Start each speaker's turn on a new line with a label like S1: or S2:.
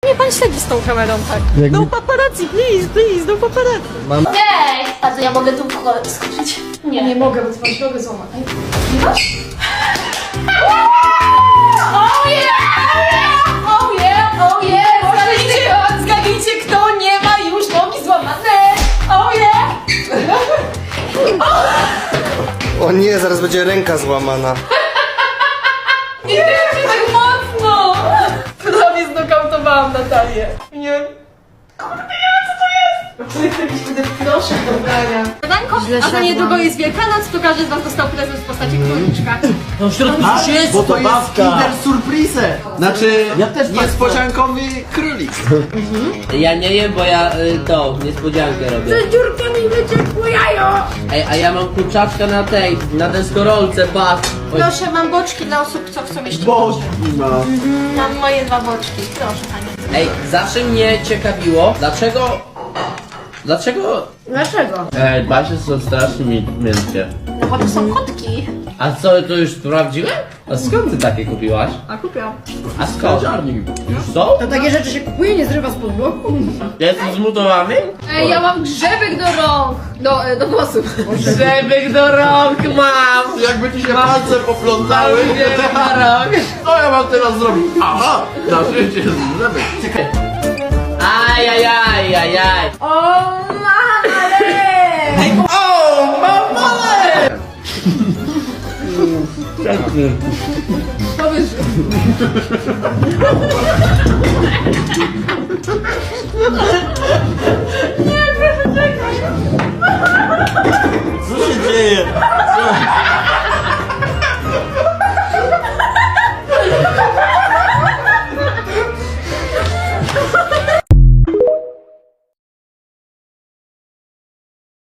S1: Nie pan śledzi z tą kamerą, tak? No paparazzi, please, no paparazzi.
S2: Cześć! A to ja mogę tu skoczyć? Nie.
S1: Nie mogę, bo masz nogę złamać.
S2: Nie masz? Oh yeah! Oh yeah! Oh yeah!
S1: Zgadnijcie, kto nie ma już nogi złamane. Oh yeah!
S3: O nie, zaraz będzie ręka złamana.
S1: Nie, tak mocno! Prawie znokautowałam Natalię. Nie wiem. Kurde, nie wiem co to jest! To jest jakiś wtedy proszek do brania. A za niedługo jest Wielkanoc, to każdy z was dostał prezent w postaci króliczka.
S4: No w środku coś jest,
S5: Bo to jest
S4: babka.
S5: Kinder Surprise. Znaczy,
S4: Ja też tak
S5: niespodziankowy królik.
S4: Ja nie jem, bo ja niespodziankę robię.
S1: Dziurkami wyciekło jajo!
S4: Ej, a ja mam kurczaczka na deskorolce, patrz. Oj,
S1: Proszę, mam boczki dla osób, co chcą jeść.
S5: Bożki ma.
S1: Mam moje 2 boczki. Proszę, panie.
S4: Ej, zawsze mnie ciekawiło, dlaczego...
S1: Dlaczego?
S4: Ej, basie są strasznie miękkie.
S1: No bo to są kotki.
S4: A co, to już sprawdziłem? A skąd ty takie kupiłaś?
S1: A kupiłam.
S4: A skąd? Już są?
S1: To takie rzeczy się kupuje, nie zrywa spod bloku.
S4: Jestem zmutowany?
S1: Ej, ja mam grzebek do rąk. Do włosów.
S4: Grzebek do rąk mam!
S5: Jakby ci się palce poplątały.
S4: Grzebek do rąk!
S5: Co ja mam teraz zrobić? Aha, na życie żeby. Czekaj.
S4: Ajajajajaj!
S1: O, mamale!
S5: O, mamale!
S1: Powiedz,